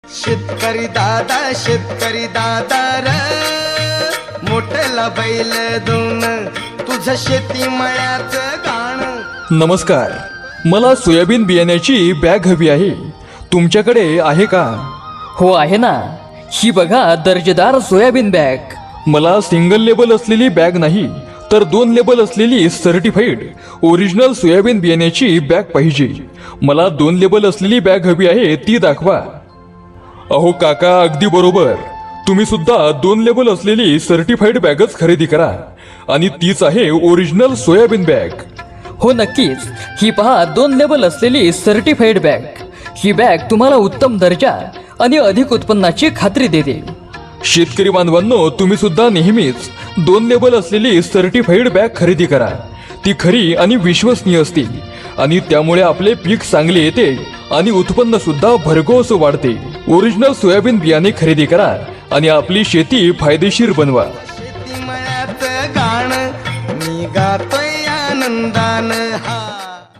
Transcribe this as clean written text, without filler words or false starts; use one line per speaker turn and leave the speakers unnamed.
शेतकरी दादा र मोठला बैल दोन तुझं शेती मळ्याचं गाणं।
नमस्कार, मला सोयाबीन बियाण्याची बॅग हवी आहे, तुमच्याकडे आहे का?
हो आहे ना, ही बघा दर्जेदार सोयाबीन बॅग।
मला सिंगल लेबल असलेली बॅग नाही तर 2 लेबल असलेली सर्टिफाईड ओरिजिनल सोयाबीन बियाण्याची बॅग पाहिजे। मला 2 लेबल असलेली बॅग हवी आहे, ती दाखवा। अहो काका, अगदी बरोबर, तुम्ही सुद्धा 2 लेबल असलेली सर्टिफाईड बॅगच खरेदी करा आणि तीच आहे ओरिजिनल सोयाबीन बॅग।
हो नक्कीच, ही पहा 2 लेबल असलेली सर्टिफाईड बॅग। ही बॅग तुम्हाला उत्तम दर्जा आणि अधिक उत्पन्नाची खात्री देते।
शेतकरी बांधवांनो, तुम्ही सुद्धा नेहमीच 2 लेबल असलेली सर्टिफाईड बॅग खरेदी करा। ती खरी आणि विश्वसनीय असते आणि त्यामुळे आपले पीक चांगले येते आणि उत्पन्न सुद्धा भरघोस वाढते। ओरिजिनल सोयाबीन बियाणे खरेदी करा आणि आपली शेती फायदेशीर बनवा।
शेती मळ्याचं गाणं मी गातोय आनंदानं हा।